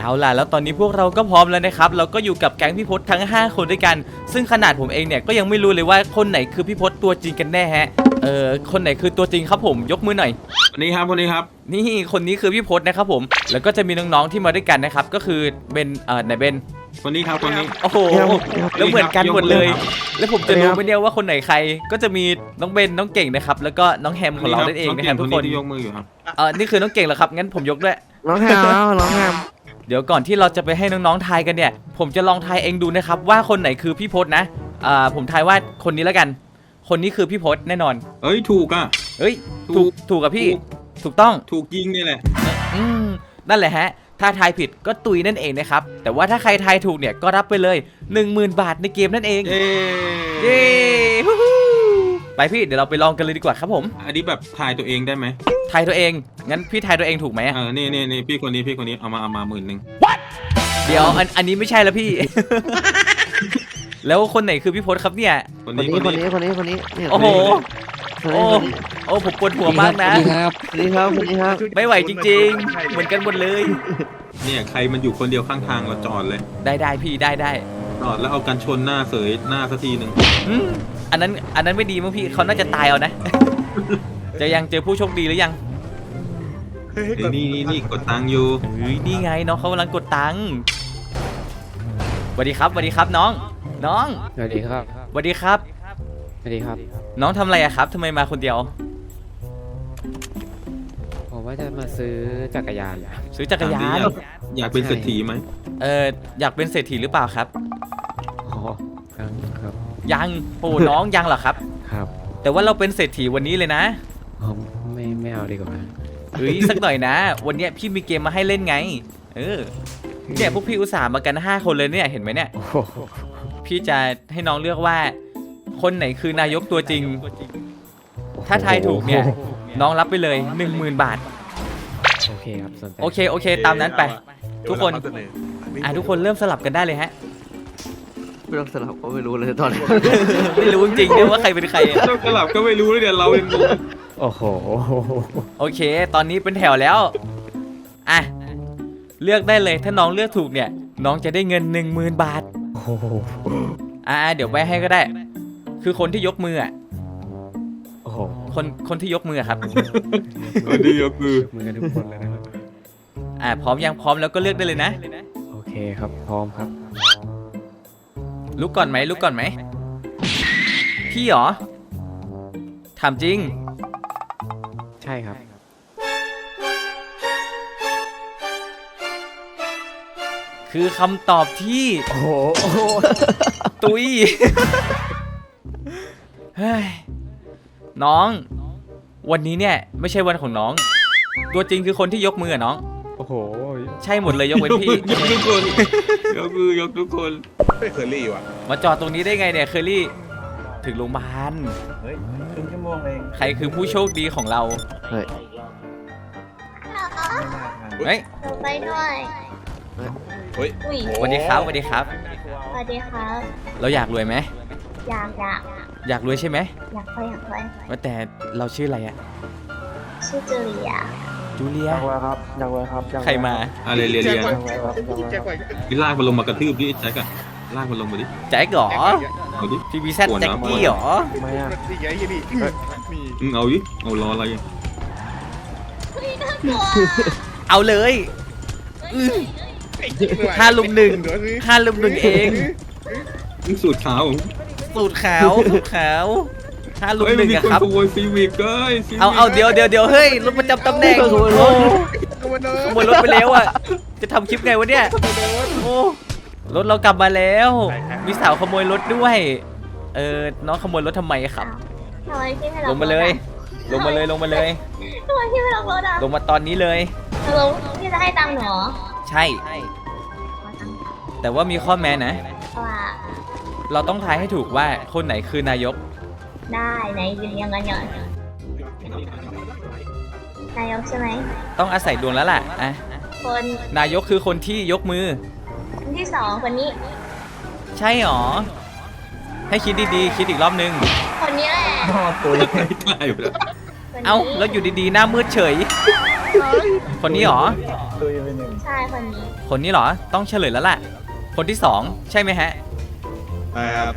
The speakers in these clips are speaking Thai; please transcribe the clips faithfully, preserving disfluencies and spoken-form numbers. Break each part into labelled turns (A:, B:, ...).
A: เอาล่ะแล้วตอนนี้พวกเราก็พร้อมแล้วนะครับเราก็อยู่กับแก๊งพี่พศทั้งห้าคนด้วยกันซึ่งขนาดผมเองเนี่ยก็ยังไม่รู้เลยว่าคนไหนคือพี่พศตัวจริงกันแน่ฮะเออคนไหนคือตัวจริงครับผมยกมือหน่อย
B: คนนี้ครับคนนี้ครับ
A: นี่คนนี้คือพี่พศนะครับผมแล้วก็จะมีน้องๆที่มาด้วยกันนะครับก็คือเบนเอ่อไหนเบน
B: คนนี้ครับคนนี้
A: โอ้โหแล้วเหมือนกันหมดเลยแล้วผมจะรู้ไหมเนี่ยว่าคนไหนใครก็จะมีน้องเบนน้องเก่งนะครับแล้วก็น้องแฮมของเรานั่นเองนะครับทุกคน
B: ที่ยกมืออยู่ครับ
A: เออนี่คือน้องเก่งเหรอครับงั้นผมยกด้วย
C: น้องแฮมน้องแฮม
A: เดี๋ยวก่อนที่เราจะไปให้น้องๆทายกันเนี่ยผมจะลองทายเองดูนะครับว่าคนไหนคือพี่พศนะอ่าผมทายว่าคนนี้แล้วกันคนนี้คือพี่พศแน่นอน
B: เอ้ยถูกอ่ะ
A: เฮ้ยถูกถูกกับพี่ถูกต้อง
B: ถูกยิงนี่แหละ
A: อืมนั่นแหละฮะถ้าทายผิดก็ตุยนั่นเองนะครับแต่ว่าถ้าใครทายถูกเนี่ยก็รับไปเลย หนึ่งหมื่น บาทในเกมนั่นเอง
B: เย้
A: เย้ไปพี่เดี๋ยวเราไปลองกันเลยดีกว่าครับผม
B: อันนี้แบบทายตัวเองได้ไหม
A: ทายตัวเองงั้นพี่ทายตัวเองถูกไหม
B: เออนี่นี่นี่พี่คนนี้พี่คนนี้เอามาเอามาหมื่นหนึ่ง
A: เดี๋ยวอันอันนี้ไม่ใช่แล้วพี่ แล้วคนไหนคือพี่พศครับเนี่ย
B: คน
C: นี้คนนี้คนนี้คนนี้
A: โอ้โหโอ้โอ้ผมปวดหัวมากนะ
C: สวัสดีครับสวัสดีครับสวัสดีครับ
A: ไม่ไหวจริงๆเหมือนกันหมดเลย
B: เนี่ยใครมันอยู่คนเดียวข้างทางเราจอดเลย
A: ได้ได้พี่ได้ได้
B: จอดแล้วเอากันชนหน้าเสยหน้าสักทีหนึ่ง
A: อันนั้นอันนั้นไม่ดีมั้งพี่เขาน่าจะตายเอานะ จะยังเจอผู้โชคดีหรือยัง
B: นี่นี่นี่กดตังค์อยู่
A: เฮ้ยนี่ไงน้องเขากำลังกดตังค์สวัสดีครับสวัสดีครับน้องน้อง
C: สวัสดีครับ
A: สวัสดีครับ
C: สวัสดีครับ
A: น้องทำอะไรอะครับทำไมมาคนเดียว
C: ผมว่าจะมาซื้อจักรยาน
A: ซื้อจักรยาน
B: อยากเป็นเศรษฐีไหม
A: เอออยากเป็นเศรษฐีหรือเปล่าครับ
C: อ๋อครับ
A: ยังโอ้น้องยังเหรอครับ
C: ครับ
A: แต่ว่าเราเป็นเศรษฐีวันนี้เลยนะ
C: อ๋อไม่ไม่เอาดีกว่า
A: เฮ้ยสักหน่อยนะวันนี้พี่มีเกมมาให้เล่นไงเออเนี่ยพวกพี่อุตส่าห์มากันห้าคนเลยเนี่ยเห็นไหมเนี่ยพี่จะให้น้องเลือกว่าคนไหนคือนายกตัวจริงถ้าทายถูกเนี่ยน้องรับไปเลยหนึ่งหมื่นบาท
C: โอเคครับ
A: โอเคโอเคตามนั้นไปทุกคนอ่ะทุกคนเริ่มสลับกันได้เลยฮะ
C: ไม่ต้องสลับก็ไม่รู้เลยตอนนี้
A: ไม่รู้จริงๆเนี่ยว่าใครเป็นใคร
B: ต้องสลับก็ไม่รู้เลยเดี๋ยวเราเอง
C: โอ้โห
A: โอเคตอนนี้เป็นแถวแล้วอ่ะเลือกได้เลยถ้าน้องเลือกถูกเนี่ยน้องจะได้เงินหนึ่งหมื่นบาทอ่าเดี๋ยวไปให้ก็ได้คือคนที่ยกมืออ่ะ
C: โอ้โห
A: คนคนที่ยกมือครับ
B: คนที่ยกมือ
C: มือกันทุกคนเลยนะครับ
A: อ่าพร้อมยังพร้อมแล้วก็เลือกได้เลยนะ
C: โอเคครับพร้อมครับ
A: ลุกก่อนไหมลุกก่อนไหมพี่เหรอถามจริง
C: ใช่ครับ
A: คือคำตอบที่
C: โอ้โห
A: ตุยเฮ้ยน้องวันนี้เนี่ยไม่ใช่วันของน้องตัวจริงคือคนที่ยกมือน้อง
C: โอ้โห
A: ใช่หมดเลยยกเว้นพี่
B: ยกทุกคนยกมือยกทุกคน
D: ไม่เคอรี่ว่ะ
A: มาจอดตรงนี้ได้ไงเนี่ยเคอรี่ถึงโรงพยาบาล
D: เฮ้ยครึ่งชั่วโมงเอง
A: ใครคือผู้โชคดีของเรา
C: เฮ้ย
A: เฮ้ย
E: ไปด้วย
D: เฮ้ย
A: สวัสดีครับสวัสดีครับ
E: สวัสดีครับ
A: เราอยากรวยไหม
E: อยากอยาก
A: อยากรวยใช่ไหม
E: อยากรวยอยากรวย
A: ว่าแต่เราชื่ออะไรอะ
E: ชื่อจูเลีย
A: จูเลีย
C: อยากรวยครับอยากรวยครับ
A: ใครมา
B: อะไรเรียนเรียนพี่ลากมันลงมากระทืบดิแจ็คอะลากมันลงมาดิ
A: แจ็คเหรอ
B: เอาดิ
A: พี่บีแซดแจ็คกี้เหรอ
C: ไม่อะ
D: นี่ไงนี่
B: มึงเอาดิเอาล้ออะไร
A: เอาเลยห้าลุมหนึ่งห้าลุมหนึ่งเอง
B: สูตรขาว
A: สูตรขาวสูตรขาวห้าลุมหนึ่งอะครับ
B: ขโมยซีวิกเอ้ย
A: เอาเอาเดี๋ยวเดี๋ยวเดี๋ยวเฮ้ยรถประจำตำแหน่งขโมยรถไปแล้วอะจะทำคลิปไงวะเนี่ยโอ้รถเรากลับมาแล้วมีสาวขโมยรถด้วยเออน้องขโมยรถทำไมครับลงมาเลยลงมาเลยลงมาเลย
E: ทำไมพี่ไม่ลงรถอะ
A: ลงมาตอนนี้เลย
E: ลงพี่จะให้ตังค์หรอ
A: ใช่แต่ว่ามีข้อแม้นะ
E: ว่า
A: เราต้องทายให้ถูกว่าคนไหนคือนายก
E: ได้ไหนยืนยังไงก่อนนายกใช่ไหม
A: ต้องอาศัยดวงแล้วล่ะอ่ะ
E: คน
A: นายกคือคนที่ยกมือ
E: คนที่สองคนนี้
A: ใช่หรอให้คิดดีๆคิดอีกรอบนึง
E: คนนี้แหละ
B: ตัวใกล้ๆอยู่แล้ว
A: เอ้าแล้วอยู่ดีๆหน้ามืดเฉยคนนี้เหรอ
D: ตุยไปหนึ่ง
E: ใช่คนนี้
A: คนนี้เหรอ ต้องเฉลยแล้วแหละคนที่สองใช่ไหมฮะ
D: ใช่ครับ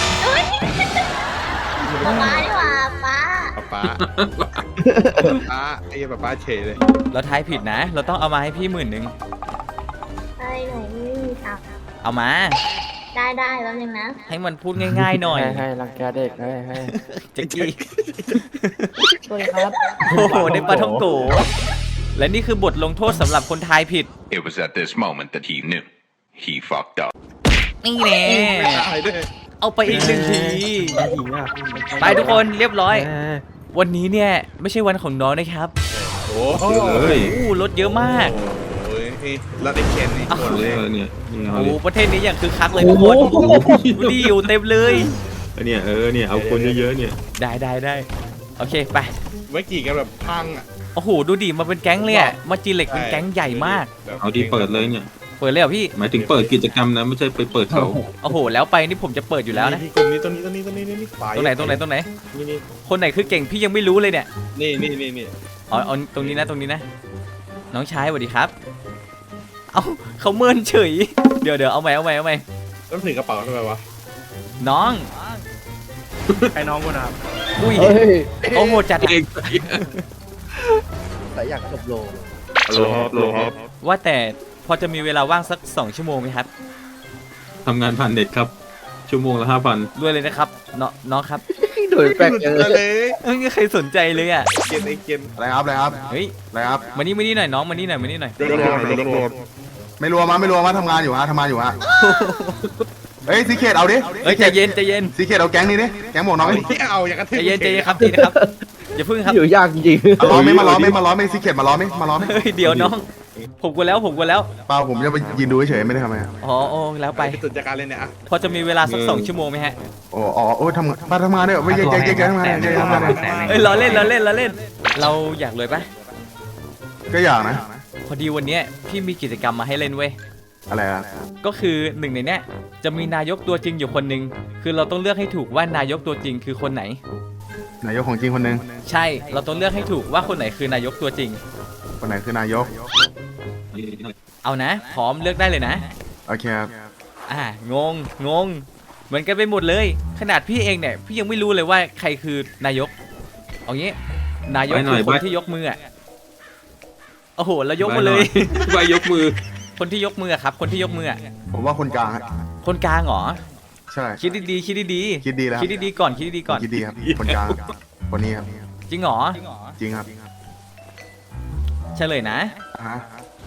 E: ป๊าป๊าดีกว่าป๊า
D: ป๊าป๊าป๊าไอ้ป๊าป๊าเฉยเลย
A: เราทายผิดนะ เราต้องเอามาให้พี่หมื่นหนึ่ง
E: เฮ้ยหนูไม่มีตังค์
A: เอามา
E: ได้ได้แป๊บนึงนะ
A: ให้มันพูดง่ายๆหน่อย
C: ให้ให้รังแกเด็กให้ให้
A: แจ็กกี้
E: สวัสดีครับ
A: โอ้โหได้ปลาท่องโกและนี่คือบทลงโทษสำหรับคนทายผิด
F: It was at this moment that he knew. He fucked up.
A: นี่แน่
D: ตายด้วย
A: เอาไปอีกหนึ่งที
C: หญิงอ่ะ
A: ไปทุกคนเรียบร้อย
C: เออ
A: วันนี้เนี่ยไม่ใช่วันของน้องนะครับ
D: โอ้โห
B: เฮ้ย
A: อู้รถเยอะมาก
D: โอ้ยแล้วได้เคนนี่หมด
B: เอา
D: เล
B: เลย ยเนี่ยเนี่ยเอา
A: โอ้
B: เล
A: โห
B: ย
A: ประเทศนี้อย่างคือคักเลยทุกคนดูดิอยู่เต็มเลย
B: เออเนี่ยเออเนี่ยเอาคนเยอะๆเนี่ย
A: ได้ได้ได้โอเคไป
D: เมื่อกี้กันแบบพังอ่ะ
A: โอ้โหดูดิมาเป็นแก๊งเลยอะมาจีเหล็กเป็นแก๊งใหญ่มาก
B: เอาที่เปิดเลยเนี่ย
A: เปิดเลยเหรอพี่
B: หมายถึงเปิดกิจกรรมนะไม่ใช่ไปเปิดเขา
A: โอ้โหแล้วไปนี่ผมจะเปิดอยู่แล้วนะ
D: ตรงนี้ตรงนี้ตรงนี้ตรงนี้นี่
A: ตรงไหนตรงไหนตรงไหน
D: นี่นี่
A: คนไหนคือเก่งพี่ยังไม่รู้เลยเนี่ย
D: นี่นี่นี่นี่
A: อ๋อเอาตรงนี้นะตรงนี้นะ น้องชายสวัสดีครับ เอาเขาเมินเฉย เดี๋ยวเดี๋ยวเอาใหม่เอาใหม่เอาใหม่
D: ต้องถือกระเป๋าทำไมวะ
A: น้อง
D: ไอ้น้องกูนะครับ
A: อุ้ย
C: เฮ้ย
A: โอ้โหจัด
B: เอง
C: แต่อยากจบโล
B: โลครับโลครับ
A: ว่าแต่พอจะมีเวลาว่างสักสองชั่วโมงไหมครับ
B: ทำงานผ่านเน็ตครับ ชั่วโมงละห้าพัน
A: ด้วยเลยนะครับน้องน้องครับ
C: โดยแปลก
D: เล
C: เลย
D: ย
A: ไม่มีใครสนใจเลยอ่ะ
D: เกนไอ้เกน
G: อะไรครับอะไรครับ
A: เฮ้ย
G: อะไรครับ
A: มานี่มานี่หน่อยน้องมานี่หน่อยมานี่หน่อย
D: รวมรวมรวม
G: ไม่รวมมาไม่รวมมาทำงานอยู่ฮะทำงานอยู่ฮะเฮ้ยซีเคทเอาดิ
A: เฮ้ยใจเย็นใจเย็น
G: ซีเคทเอาแก๊งนี้ดิแก๊งหมวกน้องดิ
D: ไม่เอาอย่างกระ
A: ใจ
D: ทืบ
A: เย็นใจเย็นครับทีนะครับอย่าพึ่งครับ
C: อยู่ยากจริง
G: มาล้อมไม่มาล้อมไม่มาล้อมไม่ซีเคทมาล้อมไม่มาล้อมไม่
A: เฮ้ยเดี๋ยวน้องผมกลัวแล้วผมกลัวแล้ว
G: เปล่าผมจะไปยืนดูเฉยๆไม่ได้ทำอะไร
A: อ๋อโอ้แล้วไป
D: ไปตุนจัดการเลยเนี่ยอ่ะ
A: พอจะมีเวลาสักสองชั่วโมงไหมฮะ
G: โอ้อ๋อโอ้ทำงานมาทำงานเนี่ยไม่ใช่แก๊งแก๊งแก๊งทำงานเนี่ยทำงานเนี่ย
A: เอ้ยเราเล่นเราเล่นเราเล่น เราอยากเลยปะ
G: ก็อยากนะ
A: พอดีวันเนี้ยพี่มีกิจกรรมมาให้เล่นเว้ย
G: อะไรอ่ะ
A: ก็คือหนึ่งในเนี้ยจะมีนายกตัวจริงอยู่คนหนึ่งคือเราต้องเลือกให้ถูกว่านายกตัวจริงคือคนไหน
G: นายกของจริงคนหนึ่ง
A: ใช่เราต้องเลือกให้ถูกว่าคนไหนคือนายกตัวจริง
G: คนไหนคือนายก
A: เอานะ พร้อมเลือกได้เลยนะ
G: โอเคครับ
A: อ่างงงงเหมือนกันไปหมดเลย ขนาดพี่เองเนี่ยพี่ยังไม่รู้เลยว่าใครคือนายกเอางี้นายกคือคนที่ยกมืออ่ะโอ้โหเรายกมาเลย
B: ไปยกมือ
A: คนที่ยกมืออะครับ คนที่ยกมืออะ
G: ผมว่าคนกลางฮะ
A: คนกลางเหรอ
G: ใช่
A: คิดดีๆคิดดีๆ
G: คิดดีแล้ว
A: คิดดีๆก่อนคิดดีๆก่อน
G: คิดดีครับคนกลางคนนี้ครับ
A: จริงเหรอ
G: จริงครับ
A: เฉลยนะ
G: ฮะ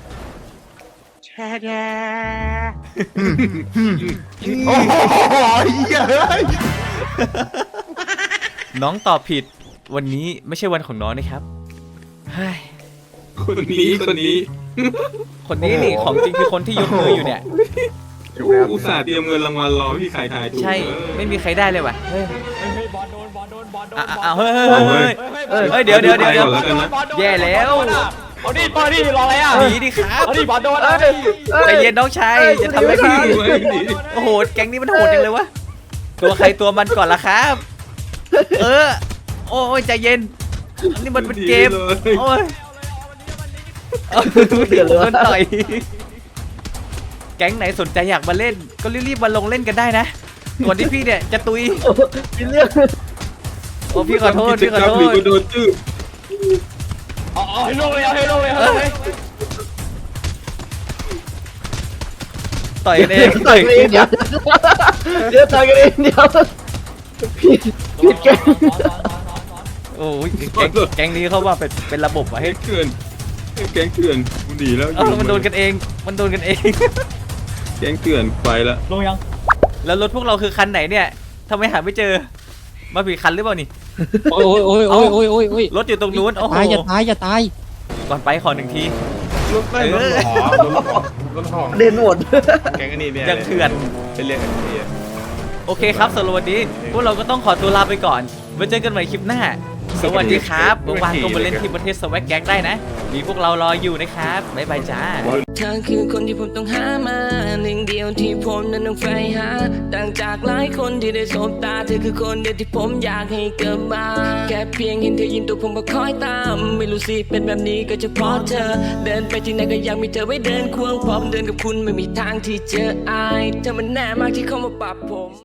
G: โอ้โหเหี้ยเฮ้ย
A: น้องตอบผิดวันนี้ไม่ใช่วันของน้องนะครับเฮ้ย
B: คนนี้คนนี้
A: คนนี้นี่ของจริงคือคนที่ยกมืออยู่เนี่ย
G: จบแล้ว
B: อุตส่าห์เตรียมเงินรางวัลรอพี่ใครทายถูก
A: ใช่ไม่มีใครได้เลยว่ะเฮ้ย
H: บอลโดนบอลโดนบอลโดน
A: อ่ะอ่ะเฮ้ยเฮ้ยเฮ้ยเฮ้ยเฮ้ยเดี๋ยวเดี๋ยวเดี๋ยวเดี๋ยว
B: แล้วกันนะ
A: แย่แล้ว
H: เอาดิบอลดิรออะไรอ่ะ
A: หนีดิครับ
H: เอาดิบอลโดนเอาดิ
A: ใจเย็นน้องชายจะทำอะไรพี่โอ้โหแก๊งนี้มันโหดจังเลยวะตัวใครตัวมันก่อนละครับ เออโอ้ยใจเย็นนี่มันเป็นเกมโอ้ยเอาเดือดร้อนต่อยแก๊งไหนสนใจอยากมาเล่น ก็รีบๆมาลงเล่นกันได้นะก่อนที่พี่เนี่ยจะตุย
C: มีเรื่อง
A: โอ้พี่ขอโทษพี่ขอโท
B: หรือ
A: ษ
B: ก็โดนจื้อ
H: เอาเอาให้ลงเลยเอาให้ลงเลยเอาให้ลงเลย
A: ต่อยกันเอง
C: ต่อยกันเองเดี๋ยวเดี๋ยวต่อยกันเองเดี๋ยวผิดผิดแก
A: โอ้ยแก๊งแก๊งนี้เขาว่าเป็นเป็นระบบว่ะ
B: แก๊
A: เฮ้ย
B: งเถื่อนแก๊งเถื่อนมันดีแล้ว
A: เออมันโดนกันเอง มันโดนกันเอง
B: แก๊งเถื่อนไปละ
H: ลงยัง
A: แล้วรถพวกเราคือคันไหนเนี่ยทำไมหาไม่เจอ มาผิดคันหรือเปล่านี่
I: โอ้ยโอ้ยโอ้ยโอ้ยโอ้ยโอ้ย
A: รถอยู่ตรงนู้น โอ้โห
I: ตายอย่าตายอย่าตาย
A: ก่อนไปขอหนึ่งที
D: รถไม่รถหอรถหอรถหอ
C: เด่นหมด
D: แกงอันนี้เนี่ย
A: ยังเถื่อน
D: เป็นเรื่องอันนี้
A: โอเคครับสำหรับวันนี้ พวกเราก็ต้องขอตัวลาไปก่อน ไว้เจอกันใหม่คลิปหน้าสวัสดีครับว่างๆก็มาเล่นที่ประเทศสวักแก๊งได้นะ มีพวกเรารออยู่นะครับบ๊ายบายจ้า
J: เธอคือคนที่ผมต้องหามาหนึ่งเดียวที่ผมนั้นต้องใฝ่หาต่างจากหลายคนที่ได้สบตาเธอคือคนเดียวที่ผมอยากให้เกิดมาแค่เพียงเห็นเธอยิ้มตัวผมก็คอยตามไม่รู้สิเป็นแบบนี้ก็เฉพาะเธอเดินไปที่ไหนก็อยากมีเธอไว้เดินควงพร้อมเดินกับคุณไม่มีทางที่เจออายเธอมันแน่มากที่เข้ามาปรับผม